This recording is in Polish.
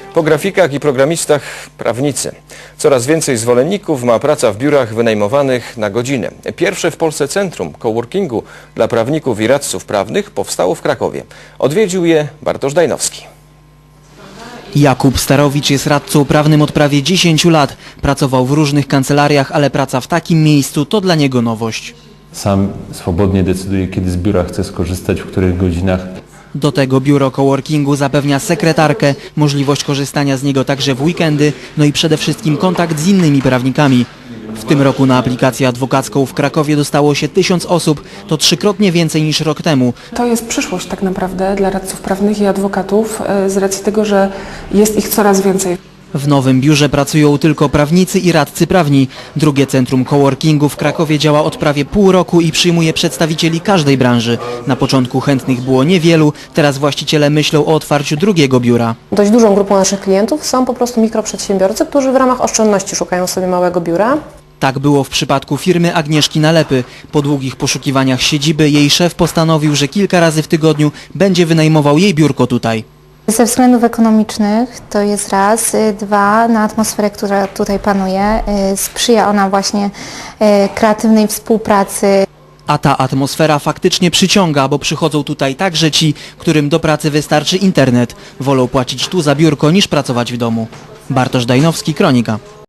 Po grafikach i programistach prawnicy. Coraz więcej zwolenników ma praca w biurach wynajmowanych na godzinę. Pierwsze w Polsce centrum coworkingu dla prawników i radców prawnych powstało w Krakowie. Odwiedził je Bartosz Dajnowski. Jakub Starowicz jest radcą prawnym od prawie 10 lat. Pracował w różnych kancelariach, ale praca w takim miejscu to dla niego nowość. Sam swobodnie decyduję, kiedy z biura chcę skorzystać, w których godzinach. Do tego biuro coworkingu zapewnia sekretarkę, możliwość korzystania z niego także w weekendy, no i przede wszystkim kontakt z innymi prawnikami. W tym roku na aplikację adwokacką w Krakowie dostało się 1000 osób, to 3-krotnie więcej niż rok temu. To jest przyszłość tak naprawdę dla radców prawnych i adwokatów z racji tego, że jest ich coraz więcej. W nowym biurze pracują tylko prawnicy i radcy prawni. Drugie centrum coworkingu w Krakowie działa od prawie pół roku i przyjmuje przedstawicieli każdej branży. Na początku chętnych było niewielu, teraz właściciele myślą o otwarciu drugiego biura. Dość dużą grupą naszych klientów są po prostu mikroprzedsiębiorcy, którzy w ramach oszczędności szukają sobie małego biura. Tak było w przypadku firmy Agnieszki Nalepy. Po długich poszukiwaniach siedziby jej szef postanowił, że kilka razy w tygodniu będzie wynajmował jej biurko tutaj. Ze względów ekonomicznych to jest raz, dwa, na atmosferę, która tutaj panuje, sprzyja ona właśnie kreatywnej współpracy. A ta atmosfera faktycznie przyciąga, bo przychodzą tutaj także ci, którym do pracy wystarczy internet. Wolą płacić tu za biurko niż pracować w domu. Bartosz Dajnowski, Kronika.